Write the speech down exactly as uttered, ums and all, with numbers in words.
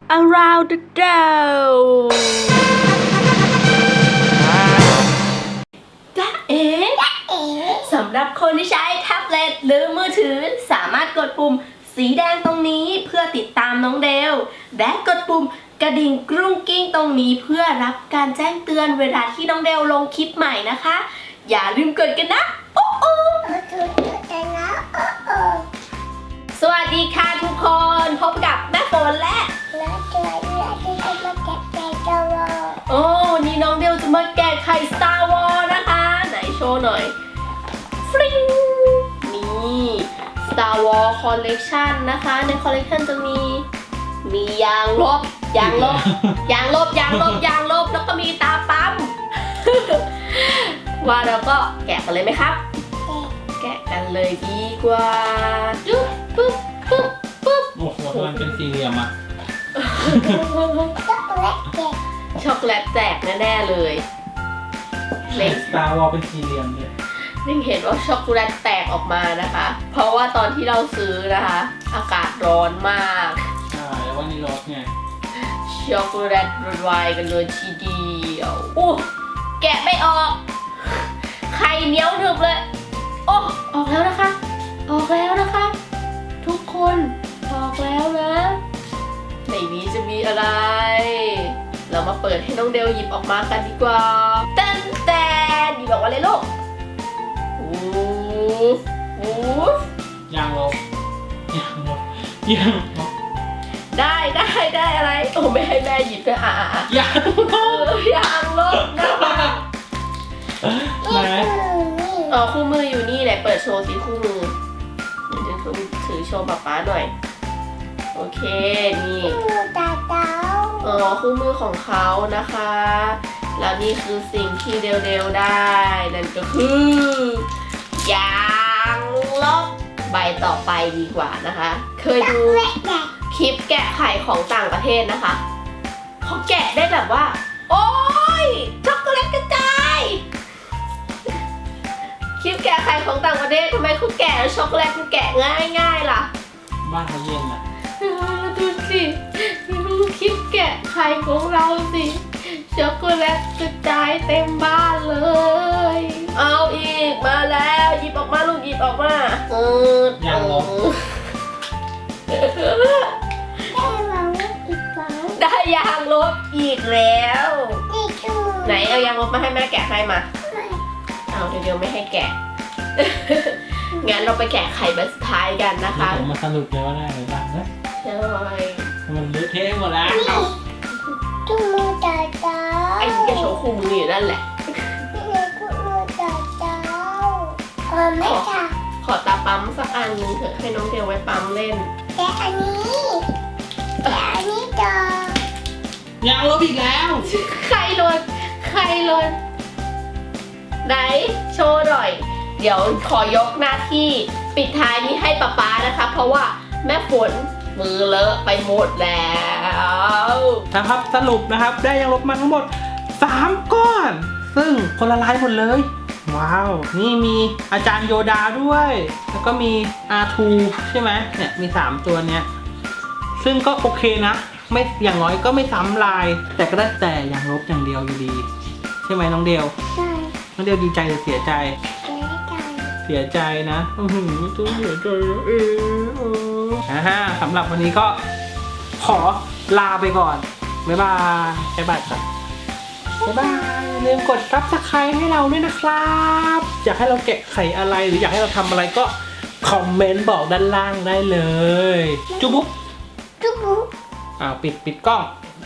around the world จ้าเอ๋สำหรับคนที่ใช้แท็บเล็ตหรือมือถือสามารถกดปุ่มสีแดงตรงนี้เพื่อติดตามน้องเดลและกดปุ่มกระดิ่งกรุ้งกิ้งตรงนี้เพื่อรับการแจ้งเตือนเวลาที่น้องเดลลงคลิปใหม่นะคะอย่าลืมกดกันนะโอ้โอ้สวัสดีค่ะทุกคนพบกับแม่ฝนและโอ้นี่น้องเดลจะมาแกะไข่ Star Wars นะคะไหนโชว์หน่อยฟริ้งนี่ Star Wars Collection นะคะใน Collection จะมีมียางลบยางลบยางลบยางลบยางลบแล้วก็มีตาปั๊ม ว่าเราก็แกะกันเลยไหมครับแกะกันเลยดีกว่าจุ๊บปุ๊บปุ๊บปุ๊บโอ้โหมันเป็นสี่เหลี่ยมอะช็อกโกแลตแจกแน่ๆเลยเล็กสตาร์วอลเป็นสี่เหลี่ยมเลยนิ่งเห็นว่าช็อกโกแลตแตกออกมานะคะเพราะว่าตอนที่เราซื้อนะคะอากาศร้อนมากใช่แล้ววันนี้รสไงช็อกโกแลตละลายกันเลยทีเดียวอู้แกะไม่ออกไข่เหนียวหนึบเลยโอ้ออกแล้วนะคะออกแล้วนะคะทุกคนออกแล้วนะในนี้จะมีอะไรเรามาเปิดให้น้องเดลหยิบออกมากันดีกว่าเต้นแต่หยิบออกมาเลยลูกโอ้โหยางลบยางลบยางลบได้ได้ได้อะไรโอ้ไม่ให้แม่หยิบด้วยอ่ะอ่ะยางลบยางลบนะคะไหนอ๋อคู่มืออยู่นี่ไหนเปิดโชว์สิคู่มือเดี๋ยวจะถือโชว์ป๊าป๊าหน่อยโอเคนี่อ๋อคู่มือของเขานะคะแล้วนี่คือสิ่งที่เดลๆได้นั่นก็คือยางลบใบต่อไปดีกว่านะคะเคยดูคลิปแกะไข่ของต่างประเทศนะคะเขาแกะได้แบบว่าโอ๊ยช็อกโกแลตกระจายคลิปแกะไข่ของต่างประเทศทำไมเขาแกะช็อกโกแลตมันแกะง่ายง่ายล่ะบ้านเขาเย็นอ่ะดูสิดูคลิปแกะไข่ของเราสิช็อกโกแลตกระจายเต็มบ้านเลยเอาอีกมาแล้วหยิบออกมาลูกหยิบออกมาเออยางลบได้ยางลบอีกแล้วไหนเอายางลบมาให้แม่แกะให้มาเอาเดี๋ยวไม่ให้แกะงั้นเราไปแกะไข่ใบสุดท้ายกันนะคะผมมาสรุปเลยว่าได้หรือเปล่านะใช่มันเละเทะหมดแล้วจุ๊มือจ่าจ้าไอ้นี่ก็โชว์คู่มืออยู่นั่นแหละจุ๊มือจ่าจ้าเออไม่ค่ะขอตาปั๊มสักอันนึงเถอะให้น้องเทลไว้ปั๊มเล่นแกะอันนี้แกะอันนี้จ้ายางลบอีกแล้วใครหล่นใครหล่นไหนโชว์หน่อยเดี๋ยวขอยกหน้าที่ปิดท้ายนี้ให้ป๊าป๊านะคะเพราะว่าแม่ฝนมือเลอะไปหมดแล้วนะครับสรุปนะครับได้ยางลบมาทั้งหมดสามก้อนซึ่งคนละลายหมดเลยว้าวนี่มีอาจารย์โยดาด้วยแล้วก็มี อาร์ ทู ใช่ไหมเนี่ยมีสามตัวเนี้ยซึ่งก็โอเคนะไม่อย่างน้อยก็ไม่ซ้ำลายแต่ก็ได้แต่ยางลบอย่างเดียวอยู่ดีใช่ไหมน้องเดลใช่น้องเดลดีใจหรือเสียใจเสียใจนะอือหือตัวเสียใจเอออ่าฮะสำหรับวันนี้ก็ขอลาไปก่อนบ๊ายบายบ๊ายบายครับบ๊ายบายอย่าลืมกดซับสไครบ์ให้เราด้วยนะครับอยากให้เราแกะไข่อะไรหรืออยากให้เราทำอะไรก็คอมเมนต์บอกด้านล่างได้เลยจุ๊บบุ๊บจุ๊บบุ๊บอ่าปิดปิดกล้อง